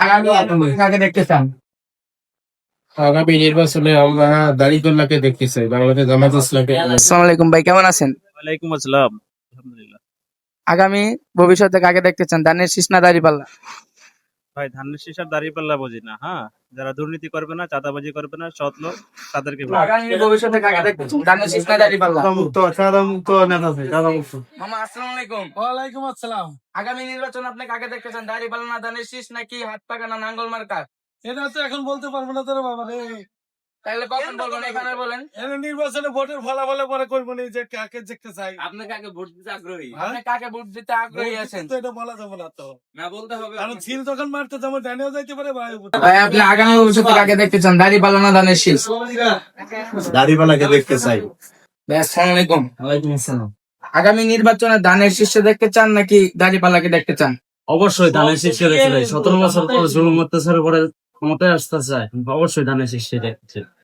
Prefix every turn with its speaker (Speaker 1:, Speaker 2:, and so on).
Speaker 1: কাকে দেখতে চান?
Speaker 2: আগামী নির্বাচনে আমরা দাড়িপাল্লাকে দেখতে চাই, বাংলাদেশ জামাত ইসলামকে।
Speaker 1: আসসালামু আলাইকুম ভাই, কেমন আছেন?
Speaker 3: ওয়ালাইকুম আসসালাম। আলহামদুলিল্লাহ।
Speaker 1: আগামী ভবিষ্যতে কাকে দেখতে চান, ধানের শীষ না দাঁড়িপাল্লা?
Speaker 3: ভাই ধানের শীষ আর দাঁড়িপাল্লা বুঝি না। হ্যাঁ, যারা দুর্নীতি করবে না, চাঁদাবাজি করবে না, সৎ লোক, তাদেরকে ভোট।
Speaker 1: আগামী ভবিষ্যতে কাকে দেখতে চান, ধানের শীষ না দাঁড়িপাল্লা? মামা আসসালামু আলাইকুম।
Speaker 4: ওয়ালাইকুম আসসালাম।
Speaker 1: আগামী নির্বাচন আপনি কাকে দেখতে চান, দাঁড়িপাল্লা না ধানের শীষ, নাকি হাত পাকা না নাঙ্গল মার্কা?
Speaker 4: এটা তো এখন বলতে পারবো না তোর বাবা রে।
Speaker 1: তাহলে কখন বলবেন, এখানে বলেন।
Speaker 4: এনে নির্বাচনে ভোটের ফলাফলে পরে করবো নি যে কাকে দেখতে চাই।
Speaker 1: আপনি কাকে ভোট দিতে আগ্রহী?
Speaker 4: হ্যাঁ?
Speaker 1: আপনি কাকে ভোট দিতে আগ্রহী আছেন?
Speaker 4: তো এটা বলা যাবে না তো।
Speaker 1: না বলতে হবে।
Speaker 4: কারণ ছিল তখন মারতে যেমন ডানেও যাইতে পারে ভাই।
Speaker 1: ভাই আপনি আগামী ভবিষ্যতে কাকে দেখতে চান, দাঁড়িপাল্লা না ধানের শীষ?
Speaker 2: দাড়িপাল্লাকে দেখতে চাই।
Speaker 1: ভাই আসসালামু আলাইকুম। ওয়ালাইকুম আসসালাম। আগামী নির্বাচনে ধানের শীর্ষে দেখতে চান নাকি দাঁড়িপাল্লাকে দেখতে চান?
Speaker 5: অবশ্যই ধানের শীর্ষে দেখতে চাই। 17 বছর পর জুলুম অত্যাচারের পরে ক্ষমতায় আসতে চায়, অবশ্যই ধানের শীর্ষে দেখতে চাই।